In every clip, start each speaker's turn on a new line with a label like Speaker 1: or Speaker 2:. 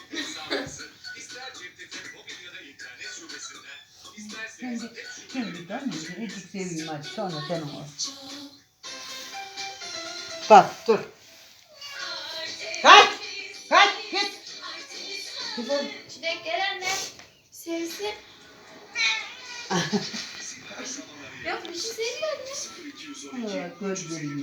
Speaker 1: Şimdi dön, biricik seveyim hadi, sonra sen ol. Bak, dur. Kaç! Kaç, git!
Speaker 2: Çilek gel anne. Sevsin. Yok bir şey sevmiyor anne.
Speaker 1: Gözlerimi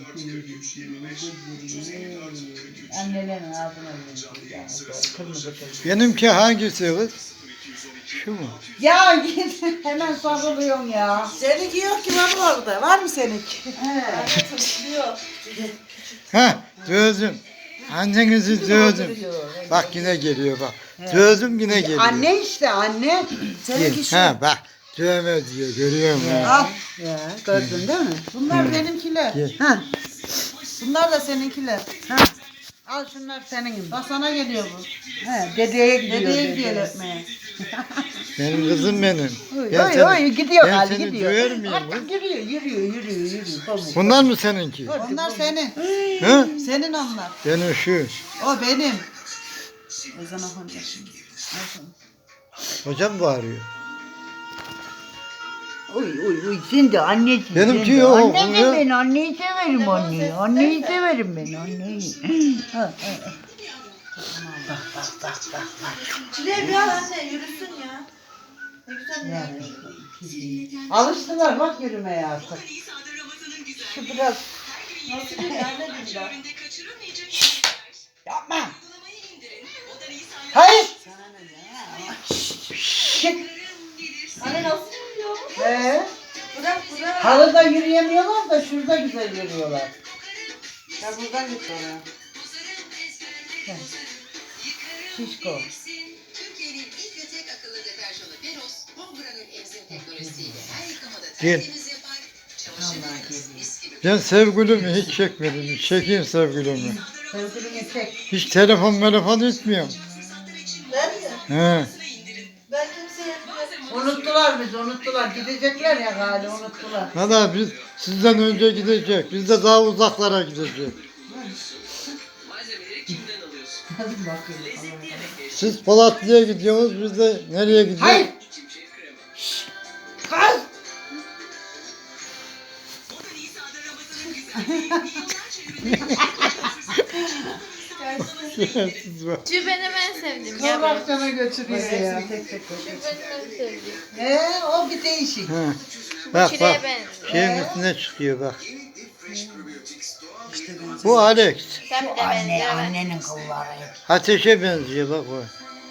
Speaker 1: annelerin ağzına verin. Kırmızı kız.
Speaker 3: Benimki hangisi kız? Şu mu?
Speaker 1: Ya git, hemen sarılıyorsun ya.
Speaker 4: Seninki yok ki baba orada. Var mı seninki?
Speaker 2: Yok.
Speaker 3: Ha, dövdüm. Annenizi dövdüm. Bak yine geliyor bak. Dövdüm yine geliyor.
Speaker 1: Anne işte, anne.
Speaker 4: Seninki şu.
Speaker 3: Ha bak. Dövme diyor, görüyor musun?
Speaker 4: Al.
Speaker 1: Ya, gördün değil mi?
Speaker 4: Bunlar benimkiler.
Speaker 3: Gel.
Speaker 1: Ha,
Speaker 4: Bunlar da seninkiler.
Speaker 1: ha. Al şunlar senin.
Speaker 4: Bak sana geliyor bu.
Speaker 1: He, dedeye gidiyor.
Speaker 4: Dedeye gidiyor öpmeye.
Speaker 3: Benim kızım benim.
Speaker 1: Oy,
Speaker 3: Ben
Speaker 1: oy,
Speaker 3: seni-
Speaker 1: oy, gidiyor
Speaker 3: ben
Speaker 1: hadi
Speaker 3: seni
Speaker 1: gidiyor.
Speaker 3: döver miyim
Speaker 1: Artık
Speaker 3: lan?
Speaker 1: yürüyor. Pamuk.
Speaker 3: Bunlar mı seninki?
Speaker 4: Onlar senin.
Speaker 3: Ha?
Speaker 4: Senin onlar.
Speaker 3: Benim şu.
Speaker 4: O benim. Ezan okunacak şimdi.
Speaker 3: Hocam bağırıyor.
Speaker 1: Uy, şimdi anneciğim.
Speaker 3: Benimki
Speaker 1: şimdi.
Speaker 3: yok,
Speaker 1: Anne
Speaker 3: bu
Speaker 1: de
Speaker 3: ya.
Speaker 1: ben, anneyi severim anneyi. Anneyi severim ben, anneyi. Ha. Bak.
Speaker 4: Çileği bir al anne yürüsün ya. Ne güzel ya.
Speaker 1: Alıştılar bak yürümeye artık. Şu biraz
Speaker 4: Nasıl bir anne billah.
Speaker 1: yapma. Hayır. Şık.
Speaker 4: Anne nasıl yürüyor? Bırak.
Speaker 1: Halıda yürüyemiyorlar da şurada güzel yürüyorlar.
Speaker 4: Ya buradan git oraya.
Speaker 1: Şişko.
Speaker 5: Türkiye'nin ilk ve tek akıllı deterjanı Peros, Homebrand'ın emzim teknolojisiyle her yıkamada
Speaker 3: Gel.
Speaker 5: tertemiz yapar, çamaşırlarınız mis gibi.
Speaker 3: Ben sevgilimi hiç çekmedim. Çekeyim sevgilimi.
Speaker 1: Sevgilini çek.
Speaker 3: Hiç telefon etmiyorum.
Speaker 4: Ben mi?
Speaker 3: He.
Speaker 4: Ben kimseye
Speaker 1: Unuttular. Gidecekler ya galiba unuttular.
Speaker 3: Valla biz sizden önce gidecek. Biz de daha uzaklara gidecek.
Speaker 1: Hadi bakayım.
Speaker 3: Siz Polatlı'ya gidiyorsunuz, biz de nereye gidiyoruz?
Speaker 1: Hayır. Kız.
Speaker 3: Siz bak.
Speaker 2: Şu benim en sevdiğim. Gel buraya.
Speaker 1: Kıvrakçana götürüyor ya.
Speaker 2: Şu benim en sevdiğim.
Speaker 1: O bir değişik.
Speaker 3: Ha. Bak
Speaker 2: Çileğe
Speaker 3: bak.
Speaker 2: benziyor.
Speaker 3: Şeyin üstüne çıkıyor bak. Bu Alex.
Speaker 2: Sen bir de benziyor.
Speaker 1: Annenin kılları.
Speaker 3: Ateşe benziyor bak o.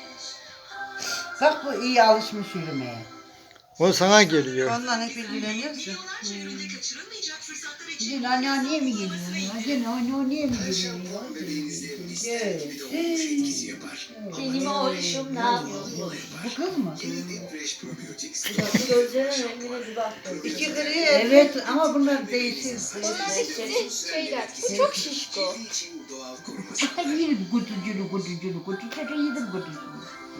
Speaker 1: Bak bu iyi alışmış yürümeye.
Speaker 3: O sana geliyor.
Speaker 4: ondan hep ilgileniyorsun.
Speaker 1: Gel anneanneye mi geliyorsun ya? Gel anneanneye mi geliyorsun ya?
Speaker 2: Benim oğlum ne yapıyor?
Speaker 1: Bu kız mı?
Speaker 2: Gözlerinin rengine bir bak.
Speaker 4: İki gri
Speaker 1: Evet ama bunlar değişir.
Speaker 2: Onlar hepsi şeyler. Bu çok şişko.
Speaker 1: Yedim kutuculu yedim kutuculu.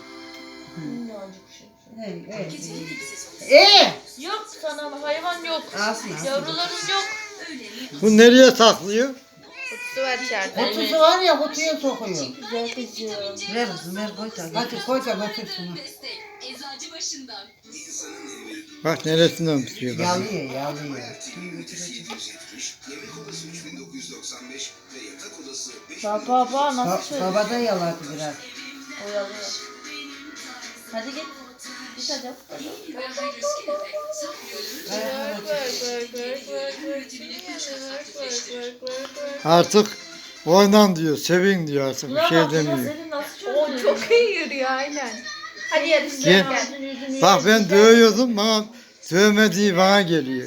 Speaker 2: Yok sana hayvan yok.
Speaker 4: Alsın.
Speaker 2: Yavruların yok.
Speaker 3: Bu nereye saklıyor?
Speaker 2: Kutusu var içeride.
Speaker 1: Kutusu var ya kutuya sokuyor.
Speaker 2: Güzel kızım.
Speaker 4: Ver kızım ver koy tabii.
Speaker 1: Hadi koy da götür şunu.
Speaker 3: Bak neresinden tutuyor bak.
Speaker 1: Yalıyor.
Speaker 2: Baba nasıl söylüyor?
Speaker 1: Baba da yaladı biraz.
Speaker 2: Oyalıyor. Hadi git. Git hadi.
Speaker 3: Artık oynan diyor, sevin diyor artık bir şey demiyor.
Speaker 2: O çok iyi yürüyor aynen. Hadi yarışacağız.
Speaker 3: Gel. Bak ben dövüyordum, bana dövmediği bana geliyor.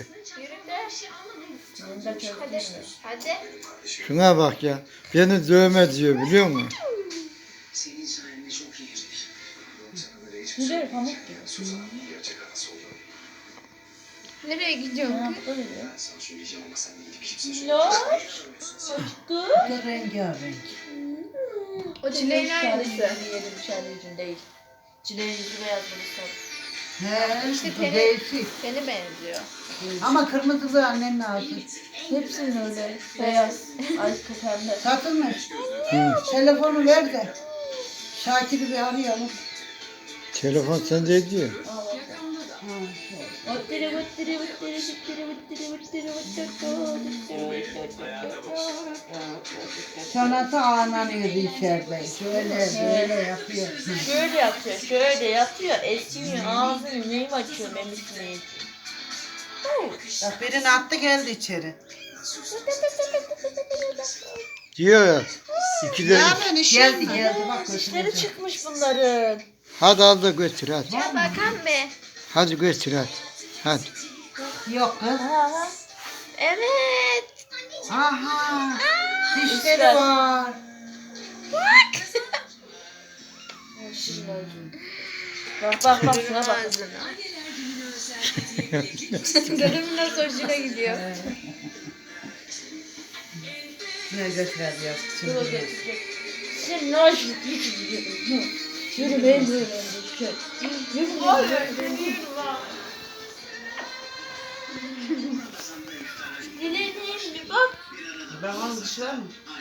Speaker 2: Hadi. Hadi.
Speaker 3: Şuna bak ya, beni dövme diyor biliyor musun?
Speaker 2: Nereye pamuk diyor. Nereye gidiyorsun kız? Yok.
Speaker 1: Bu da rengarenk.
Speaker 2: O çileğin aynısı. Yiyelim çileğin değil. Çileğin yüzü beyaz burası.
Speaker 1: He,
Speaker 2: İşte
Speaker 1: bu
Speaker 2: teni-
Speaker 1: değişik.
Speaker 2: Seni benziyor.
Speaker 1: Ama kırmızılı annenin ağzı.
Speaker 2: Hepsinin öyle. Beyaz. Ay pembe.
Speaker 1: Satılmış. Telefonu ver de. Şakir'i bir arayalım.
Speaker 3: Telefon sende diyor.
Speaker 1: Çanası ağlanıyordu içeride. Şöyle böyle yapıyor.
Speaker 2: Şöyle yapıyor, şöyle yatıyor, esmiyor, ağzını neyim açıyor memisini.
Speaker 4: Bak birini attı geldi içeri.
Speaker 3: Diyor ya. İki de.
Speaker 1: Geldi geldi bak.
Speaker 2: Dişleri çıkmış bunların.
Speaker 3: Hadi al da götür hadi.
Speaker 2: Ya bakan be.
Speaker 3: Hadi götür hadi. Hadi.
Speaker 1: Yok kız.
Speaker 2: Aha. Evet.
Speaker 1: Aha.
Speaker 2: Dişler.
Speaker 1: Dişleri var.
Speaker 2: Bak bak bak şuna bak. Dedemin nasıl hoşuna gidiyor.
Speaker 1: Ne götürer yok. Şimdi.
Speaker 2: Sen ne hoşuna gidiyor. Yürü ben de Dileğim bir bak.
Speaker 4: Ben onu dışarı mı?